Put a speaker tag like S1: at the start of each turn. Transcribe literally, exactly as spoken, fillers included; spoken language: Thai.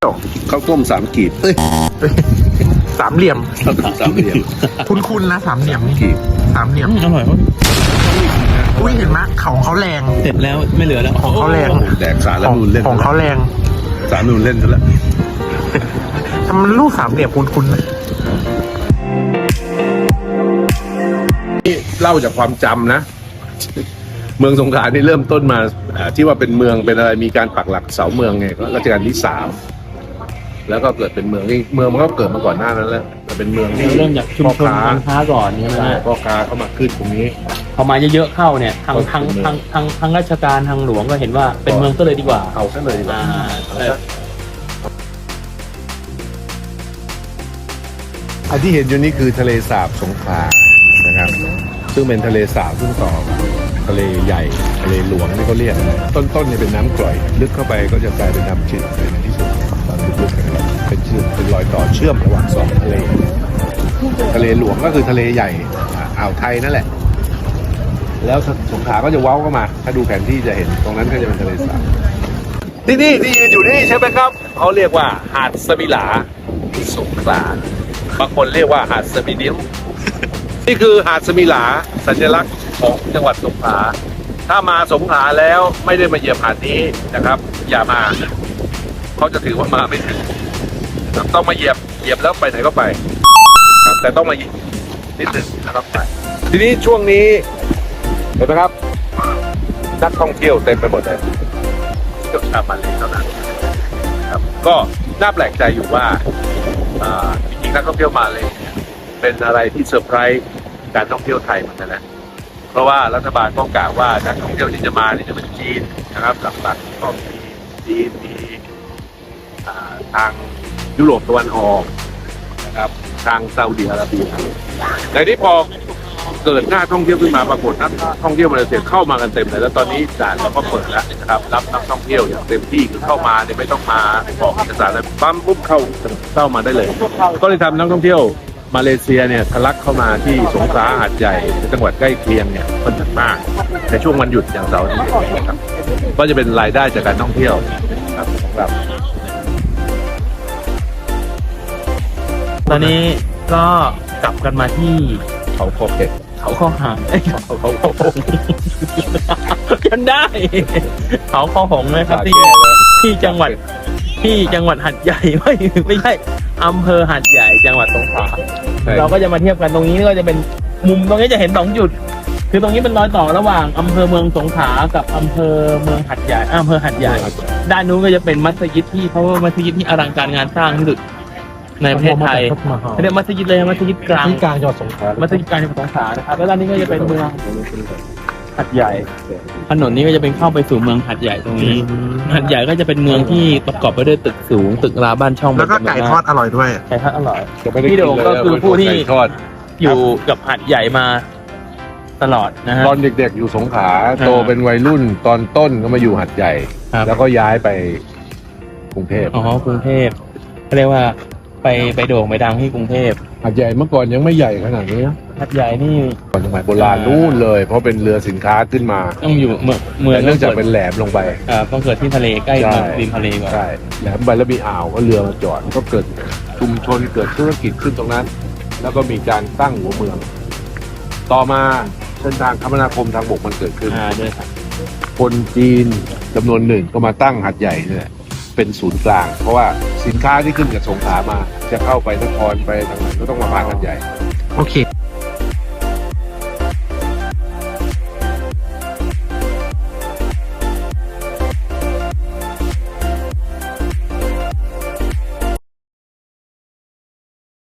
S1: ยว
S2: ข้าวต้มสามกีบเอ้ย
S1: สามเหลี่ยม
S2: สามเหลี่ยม
S1: คุ้นๆนะสามเหลี่ยมนี่
S2: กีบ
S1: สามเหลี่ยม
S3: อร่อย
S1: อุ้ยเห็นไหมเขาของเขาแรง
S3: เสร็จแล้วไม่เหลือแล้ว
S1: ของเขาแรง
S2: แดกสาร
S1: ข
S2: แล้ว
S1: อง
S2: นูนเล่น
S1: ของเขาแรง
S2: สารนูนเล่นซะแล้ว
S1: ทำมันรูปสามเหลี่ยมคุ้นๆนะ
S2: นี่เล่าจากความจำนะ เมืองสงขลานี่เริ่มต้นมาอ่าที่ว่าเป็นเมืองเป็นอะไรมีการปักหลักเสาเมืองไงก็รัชกาลที่สามแล้วก็เกิดเป็นเมืองนี่เมืองมันก็เกิดมาก่อนหน้านั้นแล้วแต่เป็นเมืองที่
S3: เริ่มจากชุมชนการค้าก่อนใช่ไหม
S2: ใช่
S3: ฮะ
S2: พ่อค้าเข้ามาขึ้นตรงนี้
S3: พอมาเยอะๆเข้าเนี่ยทางทางทางทางทางราชการทางหลวงก็เห็นว่าเป็นเมืองก็เลยดีกว่า
S2: เอาซะเลยดีกว่า
S3: อ่าเออ
S2: อันที่เห็นอยู่นี่คือทะเลสาบสงขลานะครับ ซึ่งเป็นทะเลสาบซึ่งต่อกับทะเลใหญ่ทะเลหลวงนี่เขาเรียกต้นๆเนี่ยเป็นน้ำกร่อย ลึกเข้าไปก็จะกลายเป็นน้ำจืดในที่สุดตอนลึกๆนะครับเป็นเชื่อมเป็นรอยต่อเชื่อมระหว่างสองทะเล ทะเลหลวงก็คือทะเลใหญ่อ่าอ่าวไทยนั่นแหละ แล้วสงขลาก็จะเว้าเข้ามา ถ้าดูแผนที่จะเห็นตรงนั้นก็จะเป็นทะเลสาบที่นี่ที่ยืนอยู่นี่ใช่ไหมครับเขาเรียกว่าหาดสมิลาสงขลาบางคนเรียกว่าหาดสมินิ้ว นี่คือหาดสมิลาสัญลักษณ์ของจังหวัดสงขลาถ้ามาสงขลาแล้วไม่ได้มาเหยียบหาดนี้นะครับ อย่ามาเขาจะถือว่ามาไม่ถึงนะครับต้องมาเหยียบเหยียบแล้วไปไหนก็ไปครับแต่ต้องมาเหยียบนิดหนึ่งนะครับไปทีนี้ช่วงนี้เห็นไหมครับนักท่องเที่ยวเต็มไปหมดเลยเที่ยวชาวมาเลเท่านั้นครับก็น่าแปลกใจอยู่ว่าอ่าจริงๆนักท่องเที่ยวมาเลยเนี่ยเป็นอะไรที่เซอร์ไพรส์การท่องเที่ยวไทยเหมือนกันนะเพราะว่ารัฐบาลต้องกล่าวว่านักท่องเที่ยวที่จะมานี่จะเป็นจีนนะครับหลักๆก็มีจีนมีอ่าทางยุโรปตะวันออกนะครับทางซาอุดิอาระเบียแต่ที่พอเกิดหน้าท่องเที่ยวขึ้นมาปรากฏนักท่องเที่ยวมาเลเซียเข้ามากันเต็มเลยแล้วตอนนี้ด่านเราก็เปิดแล้วนะครับรับนักท่องเที่ยวอย่างเต็มที่คือเข้ามาเนี่ยไม่ต้องมาบอกเอกสารอะไรปั๊มปุ๊บเข้าเข้ามาได้เลย ก็เลยทำนักท่องเที่ยวมาเลเซียเนี่ยทะลักเข้ามาที่สงขลาหาดใหญ่จังหวัดใกล้เคียงเนี่ยค่อนข้างมากในช่วงวันหยุดอย่างเสาร์อาทิตย์นะครับก็จะเป็นรายได้จากการท่องเที่ยวครับของเรา
S3: ตอนนี้ก็กลับกันมาที่
S2: เขาโคเกต
S3: เขาข้อหางเอ้ยเขาเขาข้อหงกันได้ เขาข้อหงนะครับที่ที่จังหวัดที่จังหวัดหัดใหญ่ ไม่ไม่ใช่อำเภอหัดใหญ่จังหวัดสงขลาเราก็จะมาเทียบกันตรงนี้ก็จะเป็นมุมตรงนี้จะเห็นสองจุด คือตรงนี้เป็นรอยต่อระหว่างอำเภอเมืองสงขลากับอำเภอเมืองหัดใหญ่อำเภอหัดใหญ่ ด้านนู้นก็จะเป็นมัสยิดที่เพราะว่ามัสยิดที่อลังการงานสร้างที่สุดในประเทศไทยเรียกมัสยิดเลยมัสยิดกลาง
S1: ที่กลางจังหวัดสงขลา
S3: มัสยิดกลางจังหวัดสงขลานะครับแล้วด้านนี้ก็จะเป็นเมืองหัดใหญ่ถนนนี้ก็จะเป็นเข้าไปสู่เมืองหัดใหญ่ตรงนี้หัดใหญ่ก็จะเป็นเมืองที่ประกอบไปด้วยตึกสูงตึกราบ้านช่อง
S1: แล้วก็ไก่ทอดอร่อยด้วย
S3: ไก่ทอดอร่อย
S2: จะไม่ได้
S3: พี่
S2: กิน
S3: โด่ง
S2: เลย
S3: ก็คือผู้ที่
S2: ไก่ทอด
S3: อยู่กับหัดใหญ่มาตลอดนะฮะ
S2: ตอนเด็กๆอยู่สงขลา
S3: อ่า
S2: โตเป็นวัยรุ่นตอนต้นก็มาอยู่หัดใหญ่
S3: ครับ
S2: แล้วก็ย้ายไปกรุงเทพ
S3: อ๋อกรุงเทพเขาเรียกว่าไปไปโด่งไปดังที่กรุงเทพ
S2: หัดใหญ่เมื่อก่อนยังไม่ใหญ่ขนาดนี้นะ
S3: หัดใหญ่นี่
S2: ก่อนสมัยโบราณนู่นเลย เพราะเป็นเรือสินค้าขึ้นมา
S3: ต้องอยู่เมืองเมือง
S2: แต่เนื่องจากเป็นแหลมลงไป
S3: อ่าต้องเกิดที่ทะเลใกล้
S2: ใช่
S3: ริมทะเลก่อน
S2: ใช่แหลมไปแล้วมีอ่าวก็เรือมาจอดก็เกิดชุมชนเกิดธุรกิจขึ้นตรงนั้น แล้วก็มีการตั้งหัวเมือง ต่อมาเส้นทางคมนาคมทางบกมันเกิดขึ้น
S3: อ่าด้วยครับ
S2: คนจีนจำนวนหนึ่งก็มาตั้งหัดใหญ่เนี่ยเป็นศูนย์กลาง เพราะว่าสินค้าที่ขึ้นจากสงขลามา จะเข้าไปนครไปทางไหนก็ต้องมาผ่านหัดใหญ่
S1: โอเค